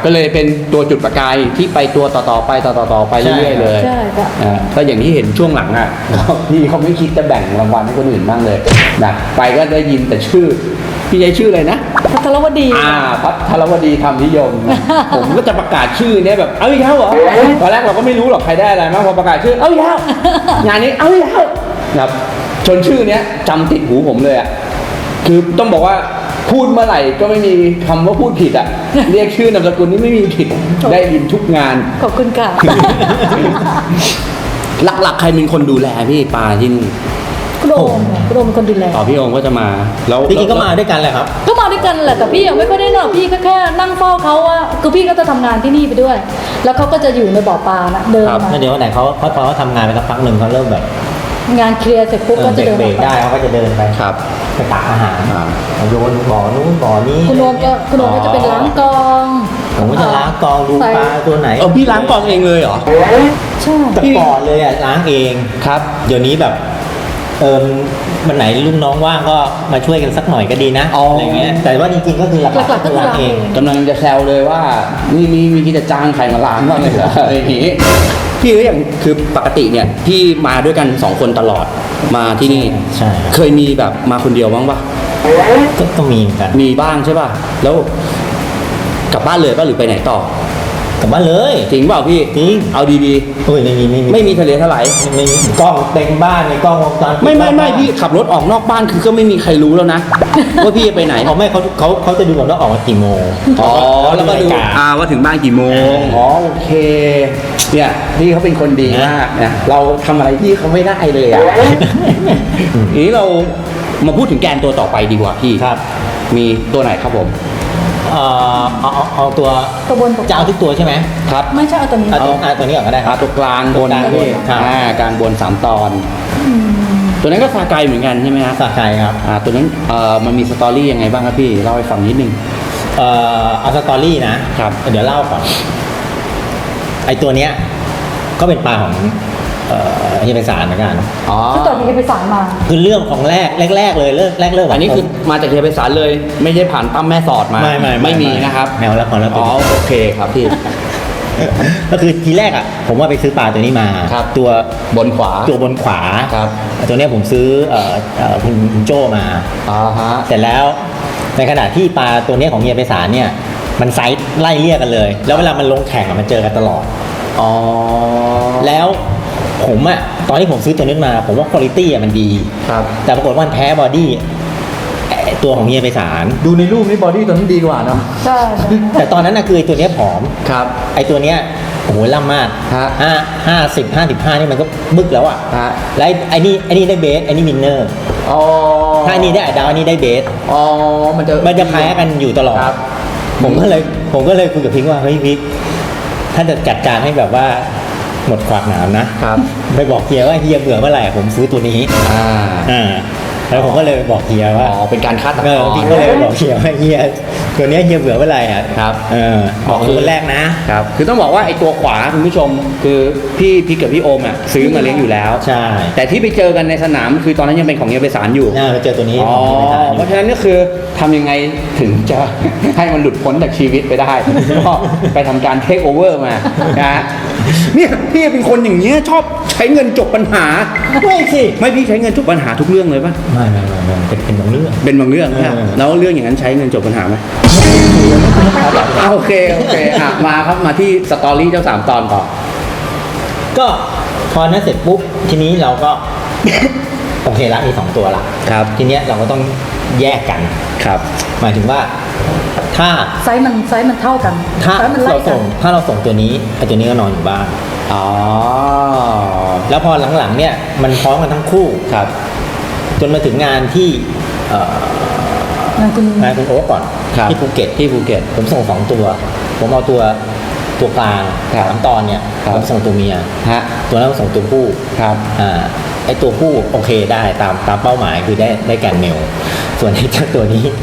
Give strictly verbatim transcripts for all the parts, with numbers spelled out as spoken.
ก็เลยเป็นตัวจุดประกายที่ไปตัวต่อๆไปต่อๆไปเรื่อยๆเลยใช่ค่ะอ่าก็อย่างที่เห็นช่วงหลังอ่ะ พี่เขาไม่คิดจะแบ่งรางวัลให้คนอื่นบ้างเลยนะไปก็ได้ยินแต่ชื่อพี่ใช้ชื่ออะไรนะพัทรวดีอ่าพัทรวดีธรรมนิยม ผมก็จะประกาศชื่อเนี้ยแบบเอาอีกแล้วเหรอตอนแรกเราก็ไม่รู้หรอกใครได้อะไรมากพอประกาศชื่อเอาอีกแล้วงานนี้เอาอีกแล้วนะครับจนชื่อเนี้ยจำติดหูผมเลยอ่ะคือต้องบอกว่าพูดเมื่อไหร่ก็ไม่มีคำว่าพูดผิดอ่ะ เรียกชื่อนามสกุลนี่ไม่มีผิดได้ยินทุกงานขอบคุณค่ะหลักๆใครเป็นคนดูแลพี่ปาที่นี่คุณโอมคุณโอมเป็นคนดูแลอ๋อพี่โอมก็จะมาแล้วจริงๆก็มาด้วยกันแหละครับก็มาด้วยกันแหละแต่พี่ยังไม่ค่อยได้นอนพี่ก็แค่นั่งเฝ้าเขาว่าคือพี่ก็จะทำงานที่นี่ไปด้วย แล้วเขาก็จะอยู่ในบ่อปลานะเดินมาแล้วเดี๋ยววันไหนเขาเขาพอเขาทำงานไปสักพักหนึ่งเขาเริ่มแบบงานเคลียร์เสร็จปุ๊บก็จะเดินเบรออกกไปได้เขาก็จะเดินไปครับไปตักอาหารอ่าโยนบ่อนู้นบ่อนี้คุณโอมก็คุณโอมก็จะเป็นล้างกองผมก็จะล้างกองดูปลาตัวไหนเออพี่ล้างกองเองเลยเหรอใช่แต่ก่อนเลยอ่ะล้างเองครับเดี๋ยวนี้แบบเออวันไหนลูกน้องว่างก็มาช่วยกันสักหน่อยก็ดีนะอ๋อออะไรเงี้ยแต่ว่าจริงๆก็คือหลักหลักๆก็คือล้างเองกำลังจะแซวเลยว่านี่มีมีที่จะจ้างใครมาล้างบ้างเลยเหรออะไรอย่างงี้พี่ก็อย่างคือปกติเนี่ยพี่มาด้วยกันสองคนตลอดมาที่นี่ใช่ครับเคยมีแบบมาคนเดียวบ้างปะก็ต้องมีเหมือนกันมีบ้างใช่ป่ะแล้วกลับบ้านเลยป่ะหรือไปไหนต่อกลับบ้านเลยจริงเปล่าพี่จริงเอาดีโอ้ยไม่มีไม่มีๆไม่มีทะเลทลายไม่มีกล้องเต็มบ้านในกล้องวงจรปิดไม่ไม่ไม่พี่ขับรถออกนอกบ้านคือก็ไม่มีใครรู้แล้วนะ ว่าพี่จะไปไหนเขาไม่เขาเขาเขาจะดูก่อนว่าออกมากี่โมงอ๋อแล้วก็ดูนาฬิาอ่าว่าถึงบ้านกี่โมงอ๋อโอเคเนี่ยพี่เขาเป็นคนดีมากนะเราทำอะไรพี่เขาไม่ได้เลยอ่ะ ทีนี้เรามาพูดถึงแกนตัวต่อไปดีกว่าพี่ครับมีตัวไหนครับผมเอ่อเอาเอาเอาตัวตัวบนตัวจะเอาทุกตัวใช่ไหมครับไม่ใช่เอาตัวนี้เอาตัวเอาตัวนี้ก่อนก็ได้คอ่ารับตัวกลางบนตัวกลางนะพี่ครับอ่ากลางบนสามตอน ตัวนั้นก็ซาไกเหมือนกันใช่ไหมฮะสาใจครับอ่าตัวนั้นเอ่อมันมีสตอรี่ยังไงบ้างครับพี่เล่าให้ฟังนิดนึงเอ่อเอาสตอรี่นะครับ เดี๋ยวเล่าก่อนไอตัวเนี้ยก็เป็นปลาของเอ่อเฮียไพศาลเหมือนกันอ๋อก็ตัวนี้ไปสารมาคือเรื่องของแรกแรก ๆ เลยเริ่มแรกเริ่มอันนี้คือมาจากเฮียไพศาลเลย ไม่ใช่ผ่านตั้มแม่สอดมาไม่ไม่ไม่มีนะครับแมวละครแล้วตัอ๋วอนี้โอเคครับพี่ก็คือทีแรกอ่ะผมว่าไปซื้อปลาตัวนี้มาครับตัวบนขวาตัวบนขวาครับตัวเนี้ยผมซื้อเอ่อเอ่อคุณคุณโจมาอ่าฮะเสร็จแล้วในขณะที่ปลาตัวเนี้ยของเฮียไพศาลเนี่ยมันไซส์ไล่เลี่ยกันเลย แล้วเวลามันลงแข่งอะมันเจอกันตลอดอ๋อแล้วผมอะตอนที่ผมซื้อตัวนี้มา ผมว่าคุณภาพอะมันดีครับแต่ปรากฏว่ามันแพ้บอดี้ไอ้ตัวของเฮียไพศาลดูในรูปนี้บอดี้ตัวนั้นดีกว่าเนาะใช่ใช่แต่ตอนนั้นนะคือไอ้ตัวเนี้ยผอมครับไอ้ตัวเนี้ยโอ้โหล่ำมากฮะห้าห้าสิบห้าสิบห้านี่มันก็บึกแล้วอะฮะแล้วไอ้ไอ้นี่ไอ้นี่ได้เบสไอ้นี่วินเนอร์อ๋อถ้าไอ้นี่ได้ดาวอันนี้ได้เบสอ๋อมันจะมันจะแพ้กันอยู่ตลอดครับผมก็เลยผมก็เลยคุยกับพิงค์ว่าเฮ้ยพิงค์ถ้าจะจัดการให้แบบว่าหมดขวากหนามนะครับ ไปบอกเฮียว่าเฮียเบื่อเมื่อไหร่ผมซื้อตัวนี้อ่าอ่าแล้วผมก็เลยไปบอกเฮียว่าอ๋อเป็นการคาดตะเอก ออนพี่ก็เลยไปบอกเฮียว่าเฮียตัวเนี้ยเฮียเบื่อเมื่อไหร่อ่ะครับเออบอกคือคนแรกนะครับ คือต้องบอกว่าไอ้ตัวขวาคุณผู้ชม คือพี่พี่กับพี่โอมอ่ะซื้อมาเลี้ยงอยู่แล้วใช่แต่ที่ไปเจอกันในสนามคือตอนนั้นยังเป็นของเฮียไพศาลอยู่น่าไปเจอตัวนี้อ๋อของเฮียไพศาลเพราะฉะนั้นก็คือทำยังไงถึงจะ ให้มันหลุดพ้นจากชีวิตไปได้ ก็ไปทำการเทคโอเวอร์มานะฮะเนี่ยพี่เป็นคนอย่างเงี้ยชอบใช้เงินจบปัญหาไม่สิไม่พี่ใช้เงินจบปัญหาทุกเรื่องเลยป่ะไม่ไม่ไม่ไม่เป็นเป็นบางเรื่องเป็นบางเรื่องใช่ไหมเออแล้วเรื่องอย่างนั้นใช้เงินจบปัญหาไหมอ่ะโอเคโอเคอ่ะมาครับมาที่สตอรี่เจ้าสามตอนต่อก็พอนั้นเสร็จปุ๊บทีนี้เราก็ โอเคละมีสองตัวละครับทีเนี้ยเราก็ต้องแยกกันครับหมายถึงว่าถ้าไซส์มันไซส์มันเท่ากันถ้าไซส์มันไล่เรากัส่นงถ้าเราส่งตัวนี้ไอ้ตัวนี้ก็นอนอยู่บ้านอ๋อแล้วพอหลังๆเนี่ยมันพร้อมกันทั้งคู่ครับจนมาถึงงานที่เอ่องานคุณงานคุณโอ๊คก่อนครับที่ภูเก็ตที่ภูเก็ตผมส่งสองตัว ผมเอาตัวตัวกลางครับสามตอนเนี่ยครับผมส่งตัวเมียฮะตัวนั้นผมส่งตัวผู้ครับอ่าไอตัวผู้โอเคได้ตามตามเป้าหมายคือได้ได้แกนเมลส่วนไอ้เจ้าตัวนี้ ผ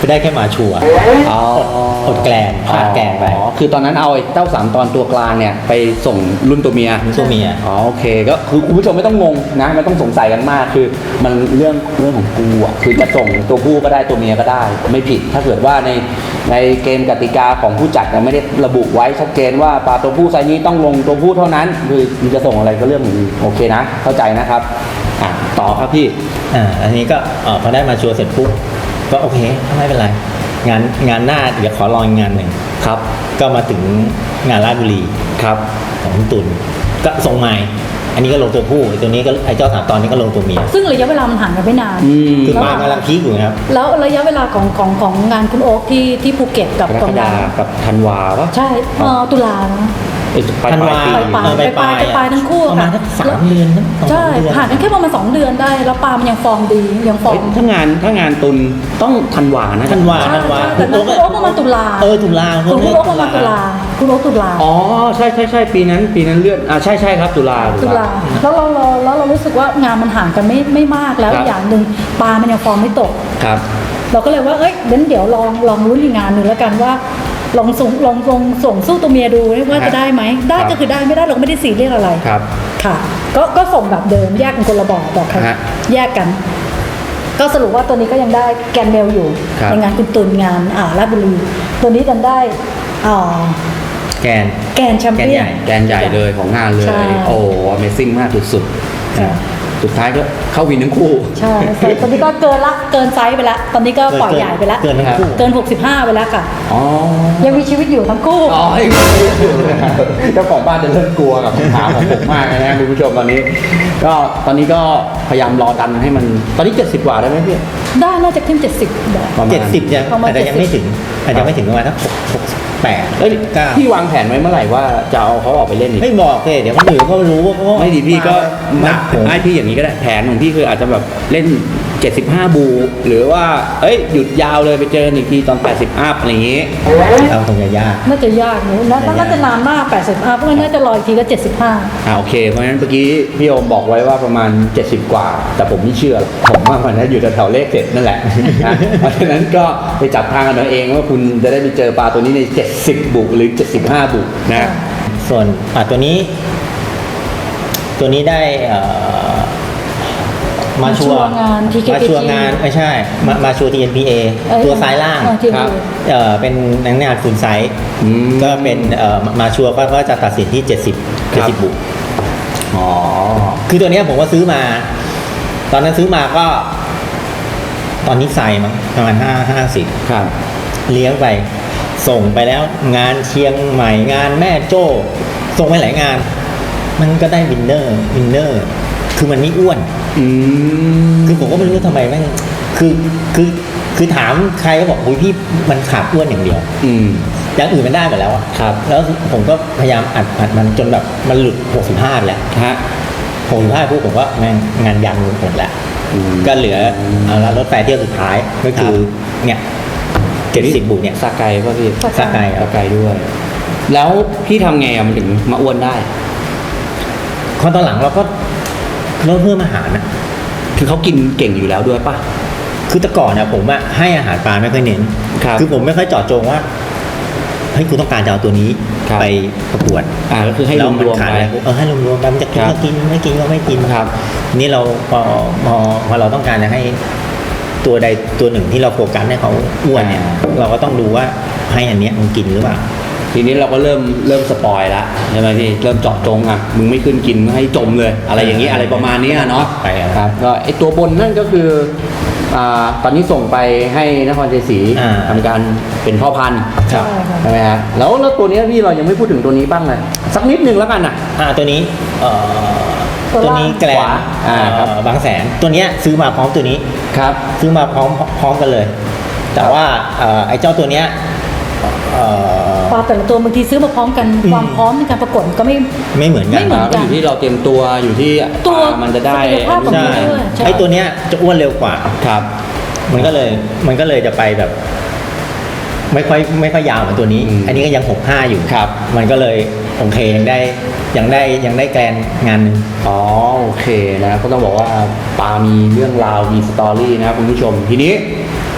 ได้แค่มาชัวร์อ๋ออดแกลนพลาดแกลนไปอ๋อคือตอนนั้นเอาไอ้เจ้าสามตอนตัวกลางเนี่ยไปส่งรุ่นตัวเมียตัวเมียอ๋อโอเคก็คือคุณผู้ชมไม่ต้องงงนะไม่ต้องสงสัยกันมากคือมันเรื่องเรื่องของกูอ่ะคือจะส่งตัวผู้ก็ได้ตัวเมียก็ได้ ไม่ผิดถ้าเกิดว่าในในเกณฑ์กติกาของผู้จัดเนี่ยไม่ได้ระบุไว้ชัดเจนว่าปลาตัวผู้ไซส์นี้ต้องลงตัวผู้เท่านั้นคือมันจะส่งอะไรก็เรื่องของมึงโอเคนะ เข้าใจนะครับอ่ะต่อครับพี่อ่าอันนี้ก็เออพอได้มาชัวร์เสร็จปุ๊บก็โอเคไม่เป็นไรงานงานหน้าเดี๋ยวขอลองอีกงานหนึ่งครับก็มาถึงงานราชบุรีครับของคุณตุลก็ส่งไม้อันนี้ก็ลงตัวผู้ไอ้ตัวนี้ก็ไอ้เจ้าสามตอนนี้ก็ลงตัวเมียซึ่งระยะเวลามันห่างกันไม่นานอืมคือปลากำลังพีคอยู่นะครับแล้วระยะเวลาของของของงานคุณโอ๊คที่ที่ภูเก็ตกับกรกกองฎาดากับธันวาปะใช่เอ่อตุลานะเอ้ยปลายธันปลาวายปีปลายเออปลายปลายปลายทั้งคู่ประมาณค่ะสักสามเดือนนะสองใช่สามเดือนห่างกันแค่ประมาณสองเดือนได้ แล้วปลามันยังฟอร์มดียังฟอเอ้ร์ยมถ้างานถ้างานตุนต้องธันวานะธันวาใช่ธันวาใช่แต่นั้นคุณโอ๊คประมาณตุลาเออตุลาคุณโอ๊คประมาณตุลาคุณโอ๊คตุลาอ๋อใช่ใช่ใช่ปีนั้นปีนั้นเลื่อนอ่าใช่ใช่ครับตุลาตุลาแล้วเราเราแล้วเรารู้สึกว่างานมันห่างกันไม่ไม่มากแล้วอย่างหนึ่งปลามันยังฟอร์มไม่ตกครับเราก็เลยว่าเอ้ยเดี๋ยวเดี๋ยวลองลองลุ้นอีกงานหนึ่งแล้วกันว่าลองส่งลองลองส่งสู้ตัวเมียดูว่าจะได้ไหมได้ก็คือได้ไม่ได้เราก็ไม่ได้ซีเรียสอะไรครับค่ะก็ก็ส่งแบบเดิมแยกกันคนละบ่อบอกค่ะฮะแยกกัน ก็สรุปว่าตัวนี้ก็ยังได้แกนเมลอยู่ครับในงานคุณตุนงานอ่าราชบุรีตัวนี้ดันได้อ่าแกนแกนแชมเปี้ยนแกนใหญ่เลยของงานเลยใช่โอ้ Amazing มากสุดๆค่ะนะสุดท้ายก็เข้าวินทั้งคู่ใช่แต่ตอนนี้ก็เกินละเกินไซส์ไปละตอนนี้ก็ปล่อยใหญ่ไปละเกินทั้งคู่เกินหกสิบห้าไปแล้วค่ะอ๋อยังมีชีวิตอยู่ทั้งคู่อ๋อเจ้าของบ้านจะเริ่มกลัวกับคำถามของผมมากนะคุณผู้ชมตอนนี้ ก็ตอนนี้ก็พยายามรอดันให้มันตอนนี้เจ็ดสิบกว่าได้ไหมพี่ได้น่าจะขึ้นเจ็ดสิบได้ประมาณเจ็ดสิบยังประมาณอาจจะยังไม่ถึงอาจจะไม่ถึงประมาณสักหกหกแปดเอ้ยเก้าพี่วางแผนไว้เมื่อไหร่ว่าจะเอาเขาออกไปเล่นอีกไม่บอกเลยเดี๋ยวคนอื่นเขารู้ว่าเขาไม่ดีพี่ก็หนักผมให้พี่อย่างนี้ก็ได้แผนของพี่คืออาจจะแบบเล่นเจ็ดสิบห้าบู หรือว่าเอ้ยหยุดยาวเลยไปเจออีกทีตอนแปดสิบอัพอะไรอย่างงี้เราคงจะยากน่าจะยากอยู่นะน่าจะนานมากแปดสิบห้าเพราะงั้นน่าจะรออีกทีก็เจ็ดสิบห้าอ่าโอเคเพราะฉะนั้นเมื่อกี้พี่โอมบอกไว้ว่าประมาณเจ็ดสิบกว่า แต่ผมไม่เชื่อหรอกผมว่ามันน่าอยู่แถวๆเลขเจ็ดนั่นแหละนะเพราะฉะนั้นก็ไปจับทางกันเอาเองว่าคุณจะได้ไปเจอปลาตัวนี้ในเจ็ดสิบบุหรือเจ็ดสิบห้าบุนะส่วนอ่ะตัวนี้ ตัวนี้ได้เอ่อมาชัวร์งาน ที เค พี จีมาชัวร์งานไม่ใช่ มามาชัวร์ ที เอ็น พี เอเอ้ยตัวซ้ายล่างเออ ทีครับเอ่อเป็นนักงานคุณไซส์อืมก็เป็นเอ่อมาชัวร์ก็ก็จะตัดสินที่เจ็ดสิบครัเจ็ดบสิบบุอ๋อคือตัวเนี้ยผมก็ซื้อมา ตอนนั้นซื้อมาก็ ตอนนี้ใส่มั้งประมาณห้าห้าสิบครับเลี้ยงไป ส่งไปแล้ว งานเชียงใหม่งานแม่โจ้ส่งไปหลายงาน มันก็ได้วินเนอร์วินเนอร์คือมันไม่อ้วนอืมคือผมก็ไม่รู้ทำไมแม่งคือคือคือถามใครก็บอกโอ้ยพี่มันขาดอ้วนอย่างเดียวอืมอย่างอื่นมันได้หมดแล้วอะครับแล้วผมก็พยายามอัดอัดมันจนแบบมันหลุดหกสิบห้าแล้วฮะหกสิบห้าปุ๊บผมก็แม่งงานยันหมดแล้วอืมก็เหลือเอาละรถไฟเที่ยวสุดท้ายก็คือเนี่ยเจ็ดสิบบุเนี่ยสกายป่ะพี่สกายสกายคสรับกายด้วย แล้วพี่ทำไงอะมันถึงมาอ้วนได้พอตอนหลังเราก็ลดเพิ่มอาหารนะคือเขากินเก่งอยู่แล้วด้วยป่ะคือแต่ก่อนเนี่ยผมอะให้อาหารปลาไม่ค่อยเน้นครับอผมไม่ค่อยเจาะจงว่าเฮ้ยกูต้องการจะเอาตัวนี้ครับไปประกวดอ่าก็คือให้รแล้ววมมันรวมขาดไปอะไรเออให้รวมรวมไปมันจะกินครับก็กินไม่กินก็ไม่กินครับนี่เราพอพอพอเราต้องการจะให้ตัวใดตัวหนึ่งที่เราโฟกัสให้เขาอ้วนเนี่ยอ่าเราก็ต้องดูว่าให้อันเนี้ยมันกินหรือเปล่าทีนี้เราก็เริ่มเริ่มสปอยละใช่ไหมพี่เริ่มเจาะจงอ่ะมึงไม่ขึ้นกินให้จมเลย อะไรอย่างนี้อะไรประมาณเนี้ยเนาะไปครับครับก็ไอตัวบนนั่นก็คืออ่าตอนนี้ส่งไปให้นครชัยศรีอ่าทำการเป็นพ่อพันธุ์ครับใช่ค่ะใช่ไหมฮะแล้วแล้วตัวเนี้ยพี่เรายังไม่พูดถึงตัวนี้บ้างเลยสักนิดนึงแล้วกันนะอ่าตัวนี้เอ่อตัวตัวล่างนี้แกลขวาอ่าครับเอ่อบางแสนตัวเนี้ยซื้อมาพร้อมตัวนี้ครับซื้อมาพร้อมพร้อมกันเลย แต่ว่าเอ่อไอ้เจ้าตัวเนี้ยเอ่อปลาแต่ละตัวบางทีซื้อมาพร้อมกันอืมความพร้อมในการประกวดก็ไม่ไม่เหมือนกันไม่เหมือนก็อยู่ที่เราเตรียมตัวอยู่ที่ตัวอ่ามันจะได้ศักยภาพของใช่มันด้วยใช่ไอ้ตัวเนี้ยจะอ้วนเร็วกว่าครับมันก็เลยมันก็เลยจะไปแบบ ไม่ค่อยไม่ค่อยยาวเหมือนตัวนี้อืมอันนี้ก็ยังหกห้าอยู่ครับมันก็เลยโอเคยังได้ยังได้ยังได้แกลนงานหนึ่งอ๋อโอเคนะก็ต้องบอกว่าปามีเรื่องราวมีสตอรี่นะครับคุณผู้ชมทีนี้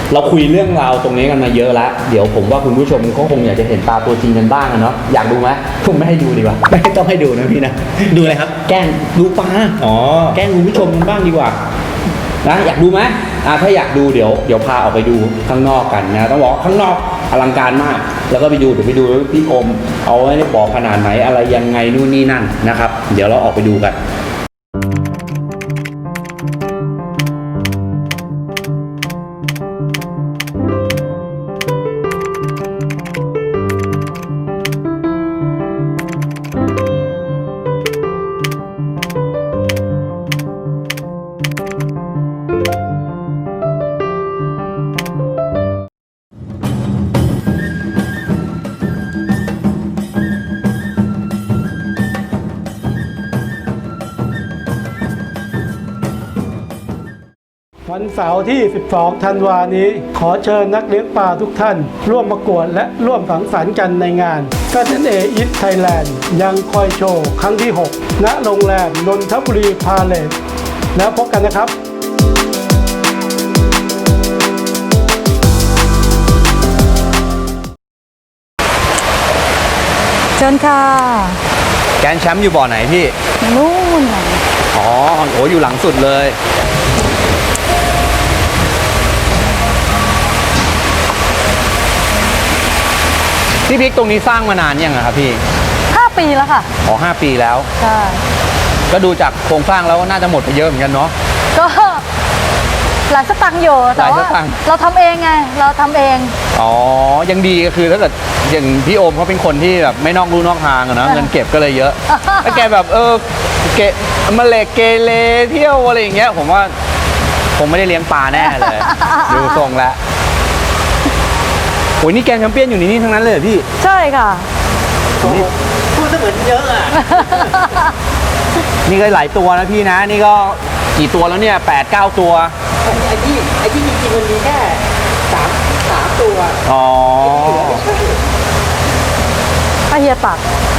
เราคุยเรื่องราวตรงนี้กันมาเยอะแล้วเดี๋ยวผมว่าคุณผู้ชมก็คงอยากจะเห็นปลาตัวจริงกันบ้างอะเนาะอยากดูไหมผมไม่ให้ดูดีกว่าไม่ต้องให้ดูนะพี่นะดูอะไรครับแกล้งดูปลาอ๋อแกล้งคุณผู้ชมกันบ้างดีกว่านะอยากดูไหมอ่าถ้าอยากดูเดี๋ยวเดี๋ยวพาออกไปดูข้างนอกกันนะต้องบอกข้างนอกอลังการมาก แล้วก็ไปดูเดี๋ยวไปดูพี่อมเอาไว้ในบ่อขนาดไหนอะไรยังไงนู่นนี่นั่นนะครับ เดี๋ยวเราออกไปดูกันวันเสาร์ที่ สิบสอง ธันวานี้ ขอเชิญนักเลี้ยงปลาทุกท่าน ร่วมประกวดและร่วมสังสรรค์กันในงาน แซด เอ็น เอ Eat Thailand ยังคอยโชว์ครั้งที่ หก ณ โรงแรมนนทบุรีพาเลสแล้วพบกันนะครับเชิญค่ะแกนแชมป์อยู่บ่อไหนพี่นู่นน่ะอ๋อโหอยู่หลังสุดเลยพี่พิกตรงนี้สร้างมานานยังอะครับพี่ห้าปีแล้วค่ะอ๋อห้าปีแล้วใช่ก็ดูจากโครงสร้างแล้วน่าจะหมดไปเยอะเหมือนกันเนาะก็หลายสตังค์อยู่แต่หลายสว่าตังค์เราทำเองไง เราทำเองอ๋อ ยังดีก็คือถ้าเกิดอย่างพี่โอมเขาเป็นคนที่แบบไม่นอกลู่นอกทางอะเนาะเออเงินเก็บก็เลยเยอะ ถ้าแกแบบเออเกะมาเลกเกเรเที่ยวอะไรอย่างเงี้ยผมว่าคงไม่ได้เลี้ยงปลาแน่เลย ดูทรงแล้วโอ้ยนี่แกนแชมเปี้ยนอยู่ในนี่ทั้งนั้นเลยเหรอพี่ใช่ค่ะพูดเหมือนเยอะอ่ะนี่ก็หลายตัวนะพี่นะ นี่ก็กี่ตัวแล้วเนี่ยแปดเก้าตัวไอ้ที่ไอ้ที่จริงๆมันมีแค่สามสามตัวอ๋ออาเฮียตัก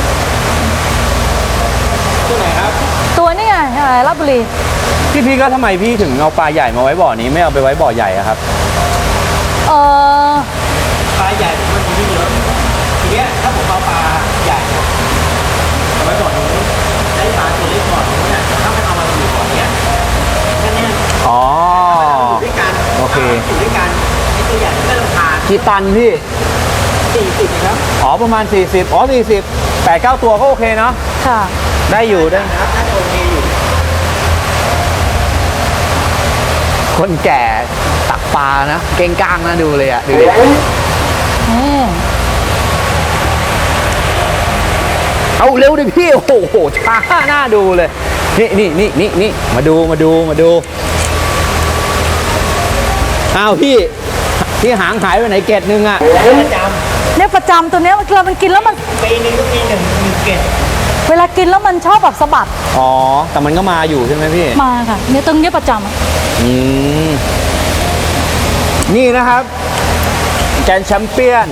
ตัวไหนครับตัวนี่ไงอะไรลาดบุรีพี่พี่ก็ทำไมพี่ถึงเอาปลาใหญ่มาไว้บ่อนี้ไม่เอาไปไว้บ่อใหญ่อะครับเออปลาใหญ่มันมีไม่เยอะทีเนี้ยถ้าผมเอาปลาใหญ่เอาไว้บ่อนู้นได้ปลาตัวเล็กบ่อนู้นเนี่ยถ้ามันเอามาอยู่บ่อเนี้ยแค่เนี้ยอ๋ออยู่ด้วยกันโอเคอยู่ด้วยกันไอ้ตัวใหญ่ไม่ต้องทานกี่ตันพี่สี่สิบครับอ๋อประมาณสี่สิบอ๋อสี่สิบแปดเก้าตัวก็โอเคเนาะค่ะได้อยู่ได้นะครับน่าจะโอเคอยู่คนแก่ตักปลานะ เก่งก้างนะดูเลยอะดูดินี่เอาเร็วดิพี่ โอ้โหช้าหน้าดูเลย นี่นี่นี่นี่นี่มาดูมาดูมาดูอ้าวพี่พี่หางหายไปไหนเกตนึงอะประจเนี่ยประจำตัวเนี้ยเวลามันกินแล้วมันำปีหนึงก็มีหนึ่งหนึ่งเกตเวลากินแล้วมันชอบแบบสะบัดอ๋อแต่มันก็มาอยู่ใช่ไหมพี่มาค่ะ เนี่ยตรงเนี้ยประจำอะอืมนี่นะครับ แกนแชมเปี้ยน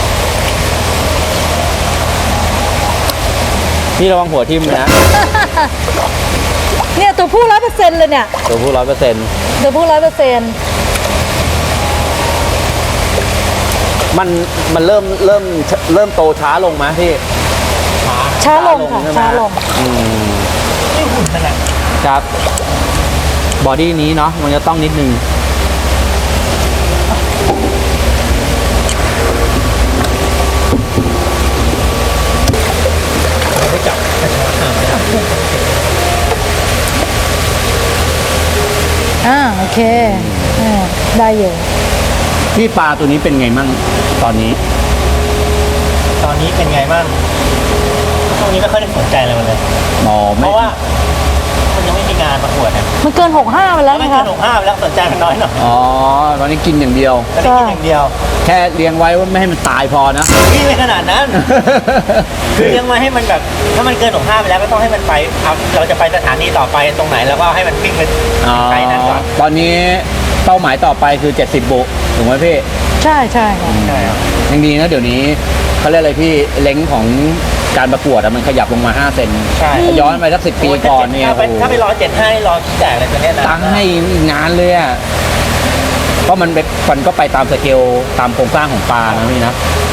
นี่ระวังหัวทิ่มนะเนี่ยตัวผู้ร้อยเปอร์เซ็นต์เลยเนี่ยตัวผู้ร้อยเปอร์เซ็นต์ตัวผู้ร้อยเปอร์เซ็นต์มันมันเริ่มเริ่มเริ่มโตช้าลงไหมพี่ช้าลงค่ะใช่ไหมช้าลงอืมนี่หุ่นขนาดครับ บอดี้นี้เนาะมันจะต้องนิดนึงไม่จับอ่าโอเคอ่าได้อยู่พี่ปลาตัวนี้เป็นไงมั่งตอนนี้ตอนนี้เป็นไงบ้างช่วงนี้ไม่ค่อยได้สนใจอะไรมันเลยอ๋อเพไม่ราะว่ามันยังไม่มีงานประกวดนะมันเกินหกห้าไปแล้วไม่นะเกิคะนหกห้าไปแล้วสนใจมันน้อยหน่อยอ๋อ ตอนนี้กินอย่างเดียวตอนนี้กินอย่างเดียวแค่เลี้ยงไว้ว่าไม่ให้มันตายพอนะนี่ไม่ขนาดนั้น คือยังมาให้มันแบบถ้ามันเกินหกห้าไปแล้วก็ต้องให้มันไปเอาเราจะไปสถานีต่อไปตรงไหนแล้วก็ให้มันวิ่งไปอ๋อไกลนั้นก่อนตอนนี้เป้าหมายต่อไปคือเจ็ดสิบบุถูกไหมพี่ใช่ใช่ค่ะใช่ครับยังดีนะเดี๋ยวนี้เขาเรียกอะไรพี่เล้งของการประกวดอะมันขยับลงมาห้าเซนใช่ย้อนไปสักสิบปีก่อนเนี่ยถ้าไปโอ้โหถ้าไปรอเจ็ดห้ารอแจกอะไรตัวเนี้ยนะตั้งให้อีกนานเลยอะก็มันเป็นมันก็ไปตามสเกลตามโครงสร้างของปลานะพี่นะ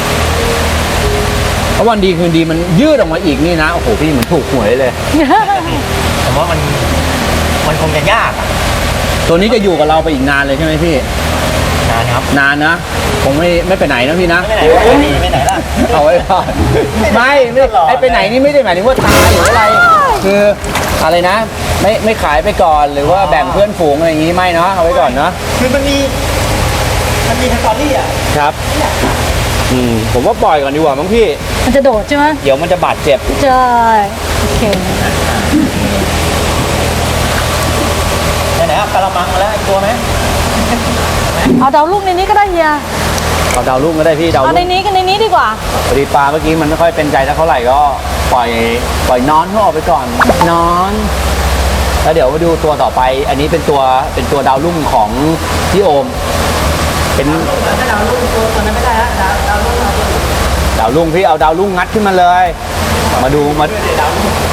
เพราะวันดีคืนดีมันยืดออกมาอีกนี่นะโอ้โหพี่เหมือนถูกหวยเลยผมว่ามันมันคงจะยากอะตัวนี้จะอยู่กับเราไปอีกนานเลยใช่ไหมพี่นะครับนานนะคงไม่ไม่ไปไหนนะพี่นะไม่ไหนไม่ไหนไม่ไหนล่ะเอาไว้ก่อนไม่ไม่ไอไปไหนนี่ไม่ได้หมายถึงว่าตายหรืออะไร คืออะไรนะ ไม่ไม่ขายไปก่อนหรือว่าแบ่งเพื่อนฝูงอะไรอย่างงี้ไม่เนาะเอาไว้ก่อนเนาะคือมันมีมันมีสตอรี่อ่ะครับ อืมผมว่าปล่อยก่อนดีกว่ามั้งพี่มันจะโดดใช่ไหมเดี๋ยวมันจะบาดเจ็บใช่โอเคไหนๆเอากระมังมาแล้วอีกตัวไหมเอาดาวลูกในนี้ก็ได้เฮียเอาดาวรุ่งก็ได้พี่ดาวเอารุ่งในนี้กันในนี้ดีกว่าพอดีปลาเมื่อกี้มันไม่ค่อยเป็นใจเท่าไหร่ก็ปล่อยปล่อยนอนเขาออกไปก่อนนอนแล้วเดี๋ยวมาดูตัวต่อไป อันนี้เป็นตัวเป็นตัวดาวรุ่งของพี่โอม เป็นถ้าดาวรุ่งตัวตัวนั้นไม่ได้ละดาวดาวรุ่งเอาตัวอื่นดาวรุ่งพี่เอาดาวรุ่งงัดขึ้นมาเลย มาดูมาด้วยเลยดาวรุ่ง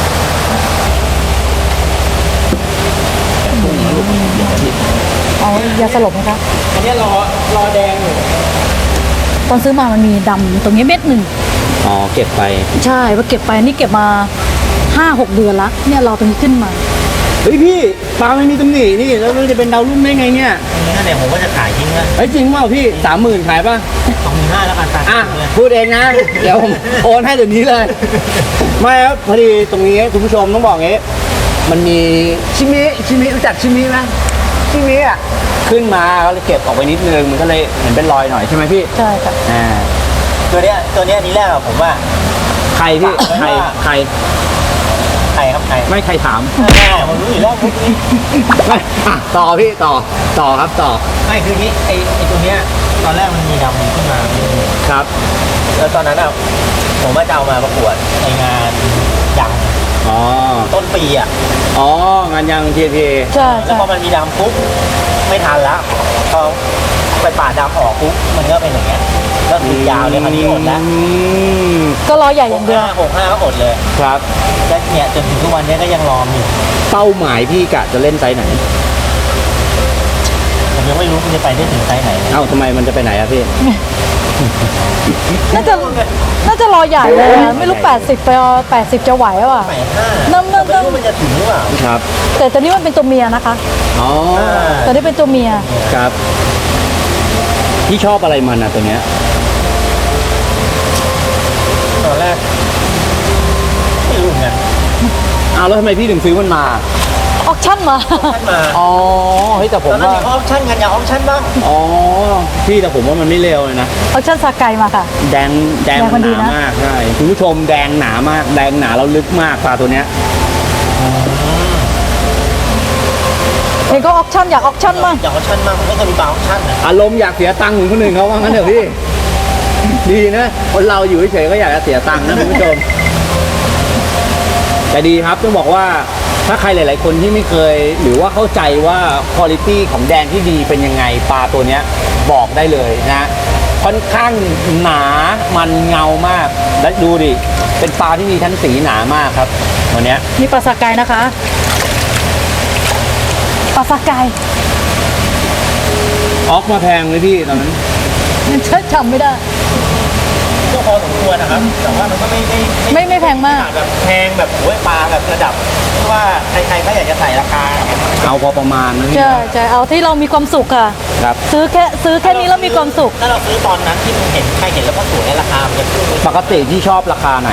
เอายาสลบไหมคะอันเนี้ยรอรอแดงอยู่ตอนซื้อมามันมีดำตรงนี้เม็ดหนึ่งอ๋อเก็บไปใช่ว่าเก็บไปนี่เก็บมาห้าหกเดือนละเนี่ยรอตรงนี้ขึ้นมาเฮ้ยพี่ปลาไม่มีตำหนินี่แล้วมันจะเป็นดาวรุ่งได้ไงเนี่ยนี่นั่นเนี่ยผมก็จะขายทิ้งละเฮ้ยจริงเปล่าพี่สามหมื่นขายป่ะสองหมื่นห้าแล้วกันตัดอ่ะเลยพูดเองนะ เดี๋ยวผมโอนให้เดี๋ยวนี้เลย ไม่ครับพอดีตรงนี้คุณผู้ชมต้องบอกงี้ มันมีชิมิชิมิรู้จักชิมิไหมชิมิอ่ะขึ้นมาก็เลยเก็บออกไปนิดนึงมันก็เลยเห็นเป็นรอยหน่อยใช่ไหมพี่ใช่ค่ะอ่าตัวเนี้ยตัวเนี้ยนี่แรกอะผมว่าใครพี่ใครใครใครครับใครไม่ใครถามแน่ผมรู้อยู่แล้วมุกนี้ไม่อ่ะต่อพี่ต่อต่อครับต่อไม่คืองี้ไอไอตัวเนี้ยตอนแรกมันมีดำขึ้นมาครับแล้วตอนนั้นอะผมว่าจะเอามาประกวดในงานยังอ๋อต้นปีอะอ๋องานยังทีทีใช่แล้วใช่พอมันมีดำปุ๊บไม่ทันแล้วพอไปปาดดำออกปุ๊บมันก็เป็นอย่างเงี้ยก็คือยาวเลยคราวนี้อดแล้วก็รอใหญ่อย่างเดียวห้าหกห้าก็อดเลยครับแล้วเนี่ยจนถึงทุกวันนี้ก็ยังรอมอยู่เป้าหมายพี่กะจะเล่นไซส์ไหนผมยังไม่รู้มันจะไปได้ถึงไซส์ไหนเลยเอ้าทำไมมันจะไปไหนอะพี่น่าจะน่าจะรอใหญ่เลยอะไม่รู้แปดสิบไปเอาแปดสิบจะไหวหรือเปล่าแปดห้าน้ำน้ำไม่รู้มันจะถึงหรือเปล่าครับแต่ตัวนี้มันเป็นตัวเมียนะคะอ๋อตัวนี้เป็นตัวเมียครับพี่ชอบอะไรมันอะตัวเนี้ยตอนแรกไม่รู้เหมือนกันอ้าวแล้วทำไมพี่ถึงซื้อมันมาออกชั่นมาท่านมาอ๋อเฮ้ยแต่ผตอมนนั้นว่าอยากออปชั่นกันอยากออปชั่นบ้างอ๋อพี่แต่ผมว่ามันไม่เร็วเลยนะออกชั่นสากไกมาค่ะแดงแดงแดงมันหดีนานะมากใช่คุณผู้ชมแดงหนามากแดงหนาแล้วลึกมากปลาตัวเนี้ยเห็นก็ออกชั่นอยากออกชั่นมากอยากออปชั่นบ้างมันก็จะมีบางออปชั่นนะอารมณ์อยากเสียตังค์เหมือนคนอื่นเขาว่างั้นเถอะพี่ ดีนะคนเราอยู่เฉยๆก็อยากจะเสียตังค์นะคุณผู้ชมแต่ดีครับต้องบอกว่าถ้าใครหลาย ๆ คนที่ไม่เคย หรือว่าเข้าใจว่าคุณภาพของแดงที่ดีเป็นยังไงปลาตัวเนี้ยบอกได้เลยนะค่อนข้างหนามันเงามากและดูดิเป็นปลาที่มีชั้นสีหนามากครับตัวเนี้ยมีปลาสากไกนะคะปลาสากไกออกมาแพงเลยพี่ตอนนั้นฉันจำไม่ได้ก็พอสมควรนะครับ แต่ว่ามันก็ไม่ไม่ไม่ไม่แพงมากแบบแพงแบบโอ้ยปลาแบบระดับที่ว่าใครๆก็อยากจะใส่ราคาอย่างเงี้ยเอาพอประมาณนะพี่ใช่ใช่เอาที่เรามีความสุขค่ะครับซื้อแค่ซื้อแค่นี้แล้วมีความสุขถ้าเราซื้อตอนนั้นที่มันเห็นใครเห็นแล้วก็สวยราคามันจะขึ้นปกติที่ชอบราคาไหน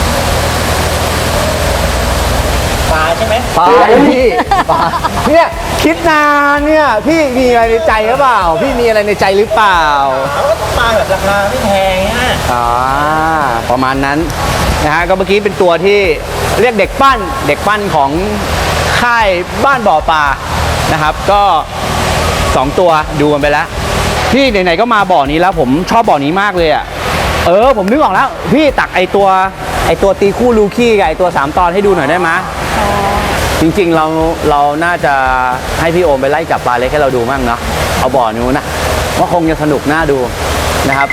ปลาใช่ไหมปลาพี่ปลาเนี่ยคิดนานเนี่ยพี่มีอะไรในใจหรือเปล่า พี่มีอะไรในใจหรือเปล่าเขาก็ต้องปลาแบบราคาไม่แพงฮะอ่าประมาณนั้นนะฮะก็เมื่อกี้เป็นตัวที่เรียกเด็กปั้นเด็กปั้นของค่ายบ้านบ่อปลานะครับ ก็สองตัวดูกันไปแล้วพี่ไหนๆก็มาบ่อนี้แล้วผมชอบบ่อนี้มากเลยอ่ะเออผมนึกออกแล้ว พี่ตักไอตัวไอตัวตีคู่ลูคี้กับไอตัวสามตอนให้ดูหน่อยได้ไหมจริงๆเราเราน่าจะให้พี่โอมไปไล่จับปลาเล็กให้เราดูมั่งเนาะเอาบ่อนู้นนะว่าคงจะสนุกน่าดูนะครับ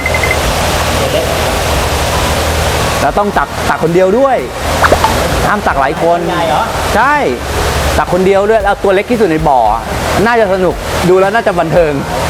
แล้วต้องตักตักคนเดียวด้วยห้ามตักหลายคนใหญ่เหรอใช่ตักคนเดียวด้วยแล้วตัวเล็กที่สุดในบ่อน่าจะสนุกดูแล้วน่าจะบันเทิง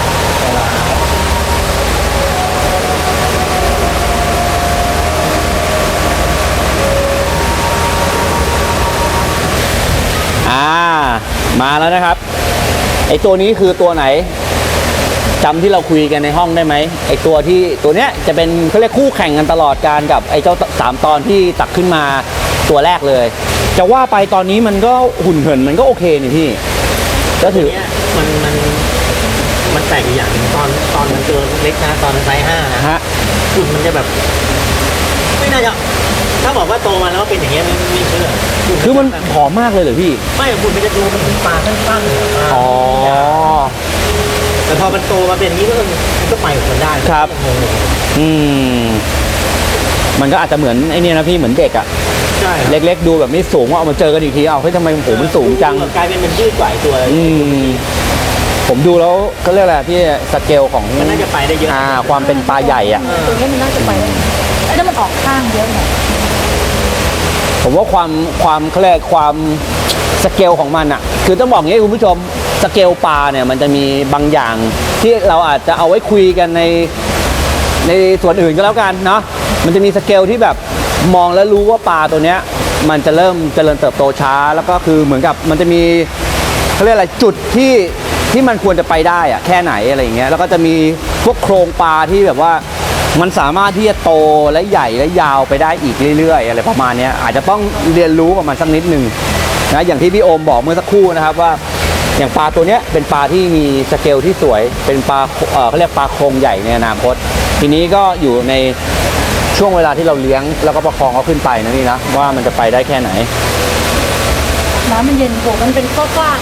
อ่ามาแล้วนะครับไอตัวนี้คือตัวไหนจำที่เราคุยกันในห้องได้ไหมไอตัวที่ตัวเนี้ยจะเป็นเขาเรียกคู่แข่งกันตลอดการกับไอเจ้าสามตอนที่ตักขึ้นมาตัวแรกเลย จะว่าไปตอนนี้มันก็หุ่นเหินมันก็โอเคนี่พี่ก็ถือเนี่ยมันมันมันแปลกอยู่อย่างหนึงตอนตอนมันตัวเล็กนะตอนไซส์ห้านะฮะหุ่นมันจะแบบ ไม่น่าจะถ้าบอกว่าโตมาแล้วเป็นอย่างเงี้ยไม่ไม่เชื่อหุ่คือมันแบบผอมมากเลยเหรอพี่ไม่หุ่นมันจะดูมันเป็นปลาสั้นๆปลาอ๋อแต่พอมันโตมาเป็นอย่างนี้ก็มันก็ไปของมันได้ครับงงอืมมันก็อาจจะเหมือนไอเนี่ยนะพี่เหมือนเด็กอะๆใช่เล็กๆดูแบบไม่สูงว่าเอามาเจอกันอีกทีเอาเฮ้ยทำไมโหมันสูงจังกลายเป็นมันยืดกว่าไอ้ตัวอืมผมดูแล้วก็เรียกอะไรพี่สเกลของมันน่าจะไปได้เยอะอ่าความเป็นปลาใหญ่อะตัวนี้มันน่าจะไปได้ไอ้นั่นมันออกข้างเยอะหน่อยผมว่าความความเขาเรียกความสเกลของมันอะคือต้องบอกอย่างนี้คุณผู้ชมสเกลปลาเนี่ยมันจะมีบางอย่างที่เราอาจจะเอาไว้คุยกันในในส่วนอื่นก็แล้วกันเนาะมันจะมีสเกลที่แบบมองแล้วรู้ว่าปลาตัวเนี้ยมันจะเริ่มเจริญเติบโตช้าแล้วก็คือเหมือนกับมันจะมีเขาเรียกอะไรจุดที่ที่มันควรจะไปได้อะแค่ไหนอะไรอย่างเงี้ยแล้วก็จะมีพวกโครงปลาที่แบบว่ามันสามารถที่จะโตและใหญ่และยาวไปได้อีกเรื่อยๆอะไรประมาณเนี้ยอาจจะต้องเรียนรู้กับมันสักนิดนึงนะอย่างที่พี่โอมบอกเมื่อสักครู่นะครับว่าอย่างปลาตัวเนี้ยเป็นปลาที่มีสเกลที่สวยเป็นปลาเอ่อเขาเรียกปลาโครงใหญ่ในอนาคตทีนี้ก็อยู่ในช่วงเวลาที่เราเลี้ยงแล้วก็ประคองเขาขึ้นไปนะนี่นะว่ามันจะไปได้แค่ไหนน้ำมันเย็นโหมันเป็นข้อกว้าง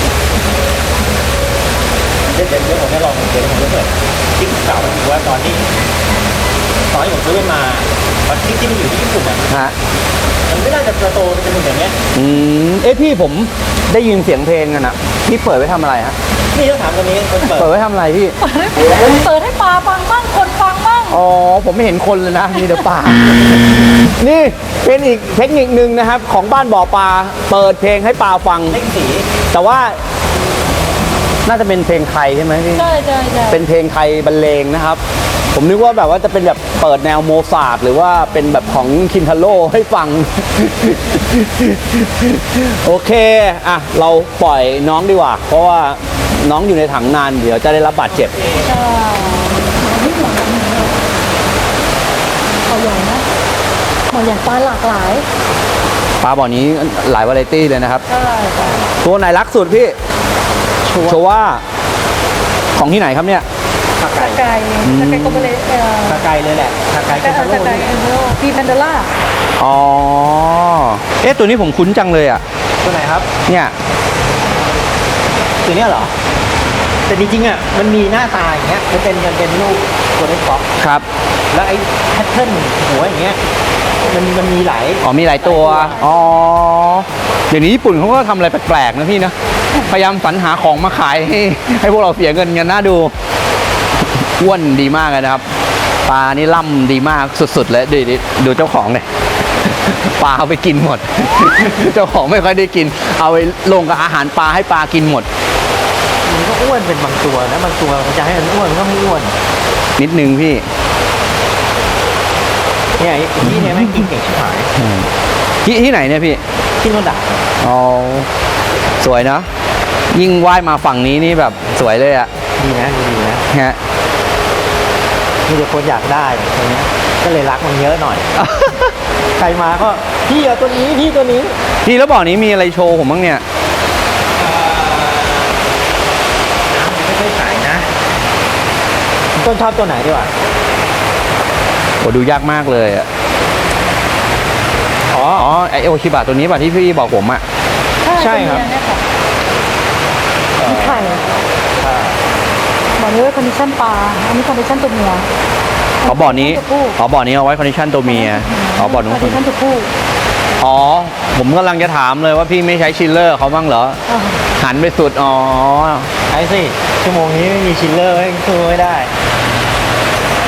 เดี๋ยวเดี๋ยวเดี๋ยวผมจะลองเดี๋ยวผมจะเปิดติ๊กเก่าดูว่าตอนที่ตอนที่ผมซื้อมันมาตอนที่ที่มันอยู่ที่ญี่ปุ่นอ่ะฮะมันไม่น่าจะโตเป็นอย่างเงี้ยอืมเอ้พี่ผมได้ยินเสียงเพลงกันอะพี่เปิดไว้ทำอะไรฮะนี่ต้องถามตัวนี้คนเปิดเปิดไว้ทำอะไรพี่เปิดให้เปิดให้ปลาฟังบ้างคนฟังบ้างอ๋อผมไม่เห็นคนเลยนะมีแต่ปลา นี่เป็นอีกเทคนิคนึงนะครับ ของบ้านบ่อปลาเปิดเพลงให้ปลาฟังเล่นสีแต่ว่าน่าจะเป็นเพลงไทยใช่ไหมพี่ใช่ใช่ใช่เป็นเพลงไทยบรรเลงนะครับ ผมนึกว่าแบบว่าจะเป็นแบบเปิดแนวโมซาร์ทหรือว่าเป็นแบบของคินทาโร่ให้ฟัง โอเคอ่ะเราปล่อยน้องดีกว่า เพราะว่าน้องอยู่ในถังนานเดี๋ยวจะได้รับบาดเจ็บใช่นี่หมอเขาใหญ่นะหมอใหญ่ปลาหลากหลายปลาบ่อนี้หลายวาไรตี้เลยนะครับใช่ใช่ตัวไหนรักสุดพี่โชว่าของที่ไหนครับเนี่ยขาตะไก่ไก่ตะไก่ก็ไม่เลยเอ่อขาไก่เลยแหละขาไก่ตะคิไก่ทาโร่ตะไก่เอโพีแพนเดล่าอ๋อเอ๊ะตัวนี้ผมคุ้นจังเลยอ่ะตัวไหนครับเนี่ยตัวเนี้ยเหรอ แต่จริงๆอ่ะมันมีหน้าตาอย่างเงี้ยมันเป็นมันเป็นรูปตัวเล็กฟ็อกครับแล้วไอ้แพทเทิร์นหัวอย่างเงี้ยมันมันมีหลายอ๋อมีหลายตัวอ๋อเดี๋ยวนี้ญี่ปุ่นเขาก็ทำอะไรแปลกๆนะพี่นะพยายามสรรหาของมาขายให้ให้พวกเราเสียเงินกันน่าดูอ้วนดีมากเลยนะครับปลานี่ล่ำดีมากสุดๆเลยดูดิดูเจ้าของเลยปลาเอาไปกินหมด เจ้าของไม่ค่อยได้กิน เอาไปลงกับอาหารปลาให้ปลากินหมดมันก็อ้วนเป็นบางตัวนะบางตัวมันจะให้มันอ้วนมันก็ไม่อ้วนนิดนึงพี่เนี่ยไอ้ที่เนี่ยแม่งกินเก่งชิบหายที่ที่ไหนเนี่ยพี่ที่โนดะอ๋อสวยเนอะยิ่งว่ายมาฝั่งนี้นี่แบบสวยเลยอะดีนะดีนะฮะมีแต่คนอยากได้ตัวเนี้ยก็เลยรักมันเยอะหน่อย ใครมาก็พี่เอาตัวนี้พี่ตัวนี้พี่แล้วบ่อนี้มีอะไรโชว์ผมบ้างเนี่ยไม่ค่อยขายนะต้นชอบตัวไหนดีกว่าโอ้ดูยากมากเลยอะอ๋ออ๋อไอโอชิบะตัวนี้ป่ะที่พี่บอกผมอะใช่ครับมีไข่บอกเลยว่าคอนดิชั่นปลาอันนี้คอนดิชั่นตัวเมียอ๋อบ่อนี้อ๋อบ่อนี้เอาไว้คอนดิชันตัวเมียอ๋อบ่อนู้นคอนดิชั่นตัวผู้อ๋อผมกำลังจะถามเลยว่าพี่ไม่ใช้ชิลเลอร์เขาบ้างเหรออ่าหันไปสุดอ๋อไอ้สิชั่วโมงนี้ไม่มีชิลเลอร์ไม่สู้ไม่ได้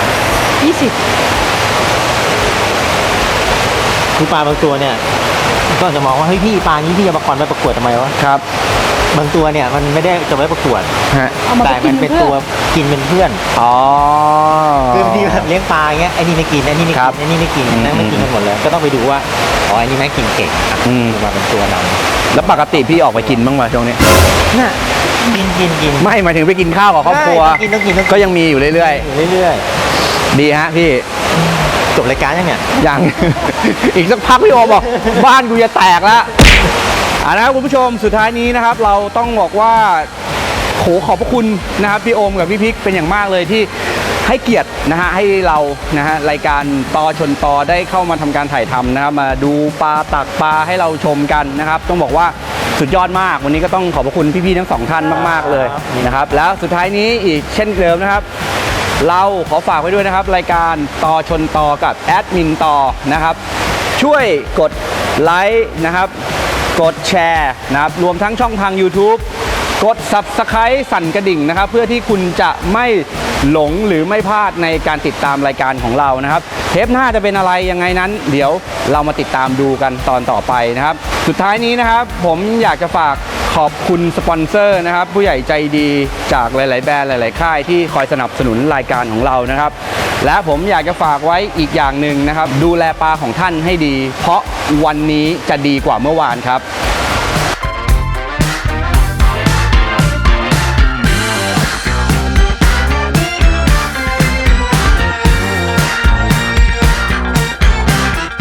ยี่สิบคือปลาบางตัวเนี่ยก็จะมองว่าเฮ้ยพี่ปลานี้พี่จะประกรณ์ไปประกวดทำไมวะครับบางตัวเนี่ยมันไม่ได้จะไว้ประกวดฮะเอามาแต่ไปกิมัน นเป็นเพื่ตัวอกินเป็นเพื่อนอ๋อคือบางทีแบบเลี้ยงปลาอย่างเงี้ยไอ้นี่ไม่กินไอ้นี่ไม่ครักิบนไอ้นี่ไม่กินอืมนั่งไม่กินกันหมดเลยก็ต้องไปดูว่าอ๋อไอ้นี่แม่งกินเก่งอ่ะอืมมาเป็นตัวนำแล้วปกติพี่ออกไปกินบ้างไหมช่วงนี้น่ะกินกินกินไม่หมายถึงไปกินข้าวกับครอบครัวได้ต้องกินต้องกินต้องกินก็ยังมีอยู่เรื่อยอยู่เรื่อยๆ ดีฮะพี่ๆจบรายการยังเนี่ยยัง อีกสักพักพี่โอบอก บ้านกูจะแตกแล้วอ่านะครับคุณผู้ชมสุดท้ายนี้นะครับ เราต้องบอกว่าโหขอบพระคุณนะครับพี่โอมกับพี่พิกเป็นอย่างมากเลยที่ให้เกียรตินะฮะให้เรานะฮะรายการตอชนตอได้เข้ามาทำการถ่ายทำนะครับมาดูปลาตักปลาให้เราชมกันนะครับ ต้องบอกว่าสุดยอดมากวันนี้ก็ต้องขอบพระคุณพี่ๆทั้งสองท่านมากๆเลยนะครับ แล้วสุดท้ายนี้อีกเช่นเดิมนะครับ เราขอฝากไว้ด้วยนะครับ รายการตอชนตอกับแอดมินตอนะครับ ช่วยกดไลค์นะครับ กดแชร์นะครับรวมทั้งช่องทาง YouTube กด Subscribe สั่นกระดิ่งนะครับ เพื่อที่คุณจะไม่หลงหรือไม่พลาดในการติดตามรายการของเรานะครับ เทปหน้าจะเป็นอะไรยังไงนั้น เดี๋ยวเรามาติดตามดูกันตอนต่อไปนะครับ สุดท้ายนี้นะครับ ผมอยากจะฝากขอบคุณสปอนเซอร์นะครับ ผู้ใหญ่ใจดีจากหลาย ๆ แบรนด์หลาย ๆ ค่ายที่คอยสนับสนุนรายการของเรานะครับ และผมอยากจะฝากไว้อีกอย่างหนึ่งนะครับ ดูแลปลาของท่านให้ดี เพราะวันนี้จะดีกว่าเมื่อวานครับ